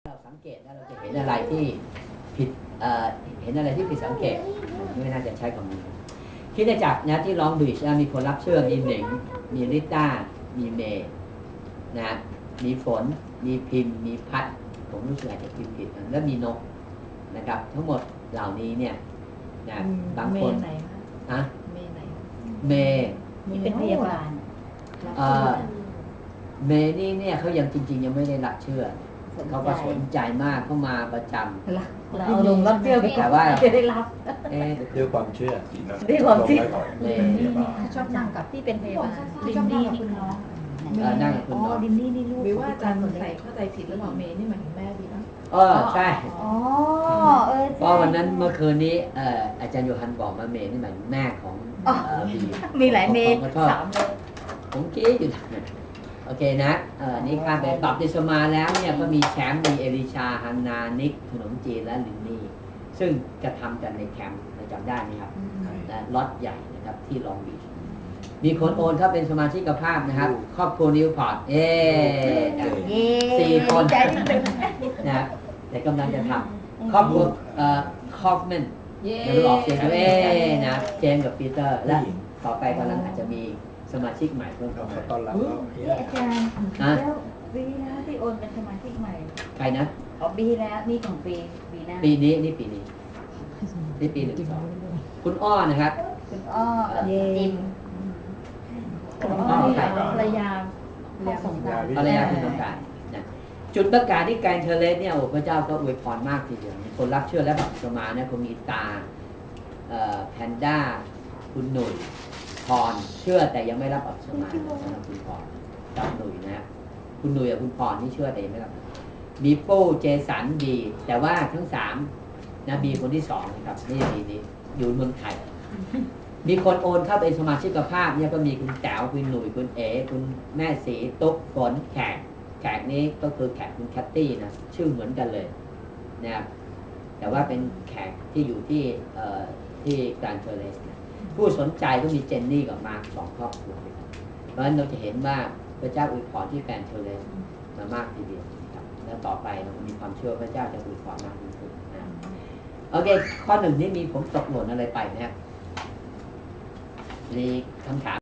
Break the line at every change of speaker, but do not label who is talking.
เราสังเกตแล้วเราจะเห็นอะไรที่ผิดเห็นอะไรที่ผิดสังเกตไม่น่าจะใช้คำนี้คิดได้จากนะที่ลองบีชมีคนรับเชื่อมีเหน่งมีลิต้ามีเมย์นะมีฝนมีพิมพ์มีพัดผมรู้สึกอาจจะพิมพ์ผิดแล้วมีนกนะครับทั้งหมดเหล่านี้เนี่ยนะบางคนอะเมย์
นี่เป็นพยาบาล
เมย์นี่เนี่ยเขายังจริงๆยังไม่ได้รับเชื่อเขาก็สนใจมากเข้ามาประจำ
เราเอาลงรับเชื่อแต่ว่าจะได้รับ
ด้วยความเชื่อ
ด้วยความเชื่อ
ชอบนั่งกับ
ที่เป็นพยาบาล
ดินนี่คุณน้อง
นั่งกับคุณน้อง
ดินนี่นี่ลูก
หรือว่าอาจารย์ใส่เข้าใจผิดแล้วบอกเมย์นี่หมายถึงแม่ดีป่ะ
ใช่เพราะวันนั้นเมื่อคืนนี้อาจารย์โยฮันบอกมาเมย์นี่หมายถึงแม่ของบี
มีหลายเมย์3เลย
ผมคิดอยู่โอเคนะนี่ข้ามไปปรับดิสมาแล้วเนี่ยก็มีแชมป์มีเอลิชาฮันนานิกขนมจีนและลินนี่ซึ่งจะทำกันในแคมป์เราจำได้ไหมครับและล็อตใหญ่นะครับที่ลองบีชมีคนโอนเข้าเป็นสมาชิกภาพนะครับครอบครัวนิวพอร์ต4 คนนะแต่กำลังจะทำครอบครัวคอฟแมนไม่รู้ออกเสียงนะเจมส์กับปีเตอร์และต่อไปกำลังอาจจะมีสมาชิกใหม่เพิ่มเข้ามา
ต้อนรับ
นี่อาจารย์แล้วปีแล้วที่โอนเป็นสมาชิกใหม่
ใครนะ
ปีแล้วนี่ของปีหน้า
ปีนี้นี่ปีนี้นี่ปี12คุณอ้อนะครับ
คุณอ้อจิมภรรยาสงการ
ภรรยาคุณสงการนะจุดประกาศที่การเทเลสเนี่ยโอ้พระเจ้าก็อวยพรมากทีเดียวคนรับเชื่อและแบบสมาเนี่ยคนมีตาแพนด้าคุณหนุ่ยพรเชื่อแต่ยังไม่รับอัปสมาสำหรับคุณพรกับหนุ่ยนะคุณหนุ่ยกับคุณพรนี่เชื่อแต่ยังไม่รับมีโป้เจสันบีแต่ว่าทั้ง3นะบีคนที่2นะครับนี่บีนี้อยู่เมืองไทยมีคนโอนเข้าเป็นสมาชิกภาพเนี่ยก็มีคุณแต๋วคุณหนุ่ยคุณเอ๋คุณแม่สีตุ๊กฝนแขกนี้ก็คือแขกคุณแคตตี้นะชื่อเหมือนกันเลยนะครับแต่ว่าเป็นแขกที่อยู่ที่การเทเลสนะผู้สนใจก็มีเจนนี่กับมาร์ค2 ครอบครัวเพราะฉะนั้นเราจะเห็นว่าพระเจ้าอวยพรที่แฟนเทเลสมามากทีเดียวครับแล้วต่อไปเรามีความเชื่อพระเจ้าจะอวยพรมากยิ่งขึ้นนะโอเคข้อ 1นี่มีผมตกหล่นอะไรไปนะครับมีคำถาม